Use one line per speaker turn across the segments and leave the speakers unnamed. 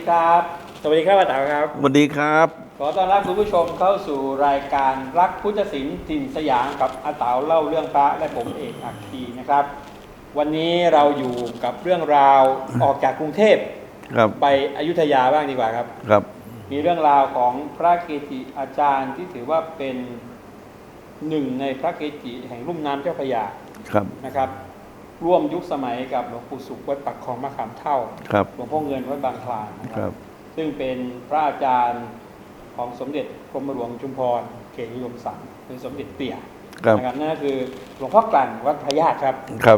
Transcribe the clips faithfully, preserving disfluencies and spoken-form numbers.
ครับ สวัสดีครับอาต๋าครับ
สวัสดีครับ
ขอต้อนรับคุณผู้ชมเข้าสู่รายการรักพุทธศิลป์ถิ่นสยามกับอาต๋าเล่าเรื่องพระและผมเอกอัคคีนะครับวันนี้เราอยู่กับเรื่องราวออกจากกรุงเทพไปอยุธยาบ้างดีกว่าครับ
ครับ
มีเรื่องราวของพระเกจิอาจารย์ที่ถือว่าเป็นหนึ่งในพระเกจิแห่งลุ่มน้ำเจ้าพระยานะครับร่วมยุคสมัยกับหลวงปู่สุขวัดปักคลองมะขามเท่าหลวงพ่อเงินวัดบางคลานนะครับซึ่งเป็นพระอาจารย์ของสมเด็จกรมหลวงชุมพรเขตนิยมสังเป็นสมเด็จเตี่ยนะครับนั่นก็คือหลวงพ่อกลั่นวัดพระญาติครับ
ครับ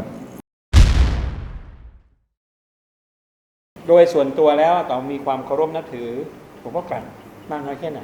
โดยส่วนตัวแล้วต้องมีความเคารพนับถือหลวงพ่อกลั่นมากน้อยแค่ไหน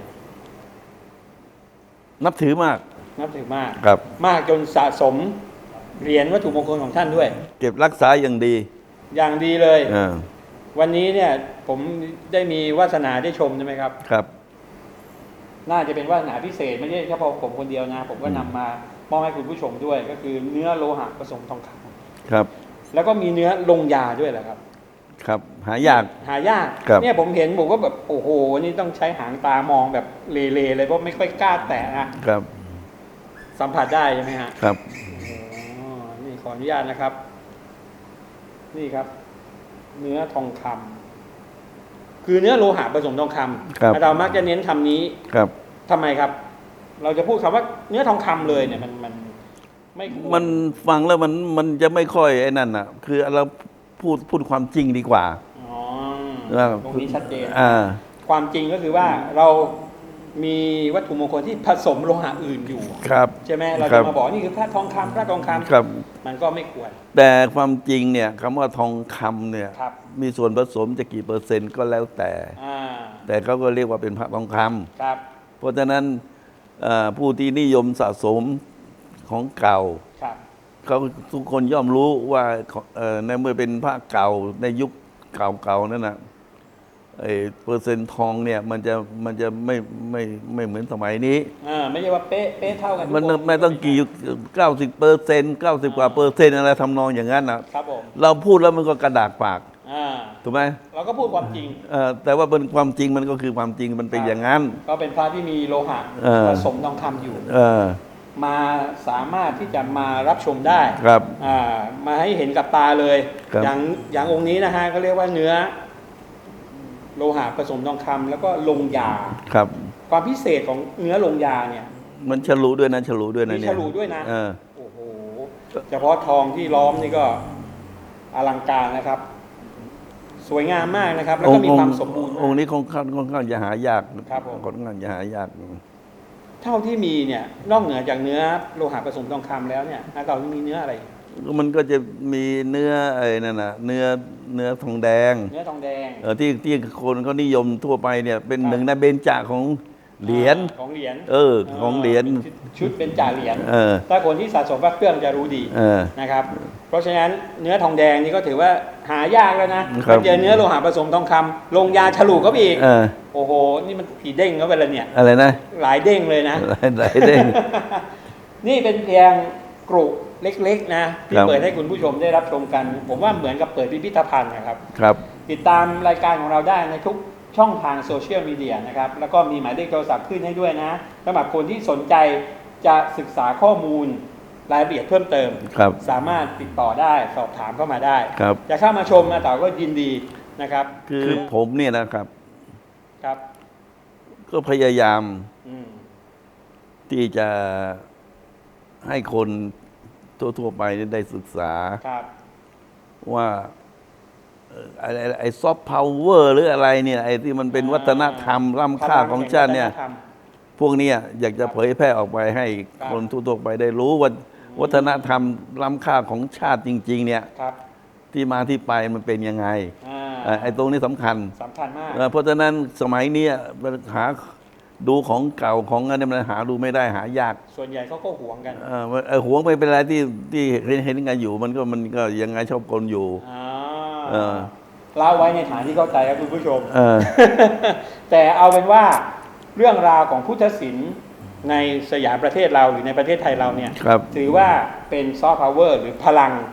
นับถือมาก
นับถือมาก
ครับ
มากจนสะสมเหรียญวัตถุมงคลของท่านด้วย
เก็บรักษาอย่างดี
อย่างดีเลยวันนี้เนี่ยผมได้มีวาสนาได้ชมใช่ไหมครับ
ครับ
น่าจะเป็นวาสนาพิเศษไม่ใช่แค่พอผมคนเดียวนะผมก็นำมามอบให้คุณผู้ชมด้วยก็คือเนื้อโลหะผสมทองค
ำครับ
แล้วก็มีเนื้อลงยาด้วยแหละครับ
ครับหายาก
หายากเนี่ยผมเห็นผมก็แบบโอ้โหนี่ต้องใช้หางตามองแบบเลๆเลยเพราะไม่ค่อยกล้าแตะนะครับสัมผัสได้ใช่ไหมฮะ
ครับ
นี่ขออนุญาตนะครับนี่ครับเนื้อทองคำคือเนื้อโลหะผสมทองคำเรามักจะเน้นคำนี้
ครับ
ทำไมครับเราจะพูดคำว่าเนื้อทองคำเลยเนี่ยมันมันไม่
มันฟังแล้วมันมันจะไม่ค่อยไอ้นั่นอ่ะคือเราพูดพูดความจริงดีกว่า
อ๋อตรงนี้ชัดเจนความจริงก็คือว่าเรามีวัตถุมงคลที่ผสมโลหะอื่นอยู่ใช่ไหมเราจะมาบอกนี่คือพระทองคำพระทองคำมันก็ไม่ควร
แต่ความจริงเนี่ยคำว่าทองคำเนี่ยมีส่วนผสมจะกี่เปอร์เซ็นต์ก็แล้วแต่แต่เขาก็เรียกว่าเป็นพระทองคำเพราะฉะนั้นผู้ที่นิยมสะสมของเก่าเขาทุกคนย่อมรู้ว่าในเมื่อเป็นพระเก่าในยุคเก่าๆนั่นนะไอ้เปอร์เซ็นต์ทองเนี่ยมันจะมันจะไม่ไม่ไม่เหมือนสมัยนี้
อ่าไม่ใช่ว่าเป๊ะเป๊ะเท่ากัน
มันไม่ต้องกี่เก้าสิบเปอร์เซ็นต์เก้าสิบกว่าเปอร์เซ็นต์อะไรทำนองอย่างนั้นนะครับ
ผม
เราพูดแล้วมันก็กระดากปากถูกไหม
เราก็พูดความจริง
แต่ว่าเป็นความจริงมันก็คือความจริงมันเป็นอย่างนั้น
ก็เป็นพระที่มีโลหะผสมทองคำอยู่มาสามารถที่จะมารับชมได้
ครับ
มาให้เห็นกับตาเลยอย่างอย่างองค์นี้นะฮะก็เรียกว่าเนื้อโลหะผสมทองคำแล้วก็ลงยา
ครับ
ความพิเศษของเนื้อลงยาเนี่ย
มันฉลุด้วยนะฉลุด้วยนะ
เนี่ยฉลุด้วยนะโอ้โหเฉพาะทองที่ล้อมนี่ก็อลังการนะครับสวยงามมากนะครับแล้วก็มีความสมบูรณ์
องค์นี้ค่อนข้างค่อนข้างจะหายากครับค่อนข้างจะหายาก
เท่าที่มีเนี่ยนอกเหนือจากเนื้อโลหะผสมทองคำแล้วเนี่ยเรามีเนื้ออะไร
มันก็จะมีเนื้อไอ้นั่นน่ะเนื้อเนื้อทองแดง
เนื้อทองแดง
เออที่ที่คนเขานิยมทั่วไปเนี่ยเป็นหนึ่งในเบญจของเหรียญ
ของเหรียญ
เออของเหรียญ
ชุดเป็นจ่าเหรียญถ้าคนที่สะสมพระเครื่องจะรู้ดีนะครับเพราะฉะนั้นเนื้อทองแดงนี่ก็ถือว่าหายากแล้วนะเจอเนื้อโลหะผสมทองคำลงยาฉลุเขาอีกโอ้โหนี่มันกี่เด้งเขาไปแล้วเนี่ย
อะไรนะ
หลายเด้งเลยนะ
หลายเด้ง
นี่เป็นเพียงกรุเล็กๆนะที่เปิดให้คุณผู้ชมได้รับชมกันผมว่าเหมือนกับเปิดพิพิธภัณฑ์นะครับ
ครับ
ติดตามรายการของเราได้ในทุกช่องทางโซเชียลมีเดียนะครับแล้วก็มีหมายเลขโทรศัพท์ขึ้นให้ด้วยนะสำหรับคนที่สนใจจะศึกษาข้อมูลรายละเอียดเพิ่มเติมสามารถติดต่อได้สอบถามเข้ามาได้จะเข้ามาชมมาต่อก็ยินดีนะครับ
คือผมเนี่ยนะครับ
ครับ
ก็พยายามที่จะให้คนทั่วๆไปได้ศึกษาว่าอะไรไอ้ซอฟต์พาวเวอร์หรืออะไรเนี่ยไอ้ที่มันเป็นวัฒนธรรมล้ำค่าของชาติเนี่ยพวกนี้อยากจะเผยแพร่ออกไปให้คนทั่วๆไปได้รู้ว่าวัฒนธรรมล้ำค่าของชาติจริงๆเนี่ยที่มาที่ไปมันเป็นยังไงไอ้ตรงนี้สำคัญ
สำคัญมาก
เพราะฉะนั้นสมัยนี้หาดูของเก่าของอะไรมันหาดูไม่ได้หายาก
ส่วนใหญ่เขาก็หวงกัน
เออหวงไม่เป็นไรที่ที่เห็นกันอยู่มันก็มันก็ยังไงชอบคนอยู่
เล่าไว้ในฐานที่เข้าใจครับคุณผู้ชมแต่เอาเป็นว่าเรื่องราวของพุทธศิลป์ในสยามประเทศเราหรือในประเทศไทยเราเนี่ยถือว่าเป็นซอฟต์พาวเวอร์หรือพลัง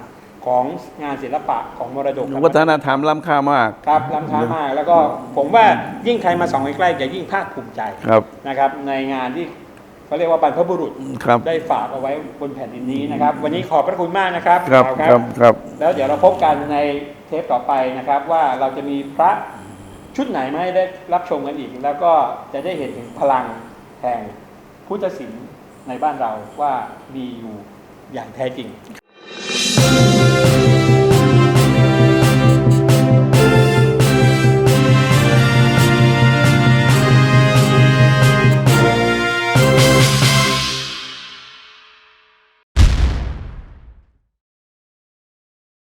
ของงานศิลปะของมรดก
วัฒนธรรมล้ำค่ามาก
ครับล้ำค่ามากแล้วก็ผมว่ายิ่งใครมาส่องใกล้ๆจะยิ่งภาคภูมิใจ
ครับ
นะครับในงานที่เขาเรียกว่าบรรพบุรุษ
ครับ
ได้ฝากเอาไว้บนแผ่นดินนี้นะครับ วันนี้ขอบพระคุณมากนะครับ
ครับ
เอา
ครับครับ
แล้วเดี๋ยวเราพบกันในเทปต่อไปนะครับ ว่าเราจะมีพระชุดไหนมาให้ได้รับชมกันอีก แล้วก็จะได้เห็นถึงพลังแห่งพุทธศิลป์ในบ้านเราว่ามีอยู่อย่างแท้จริง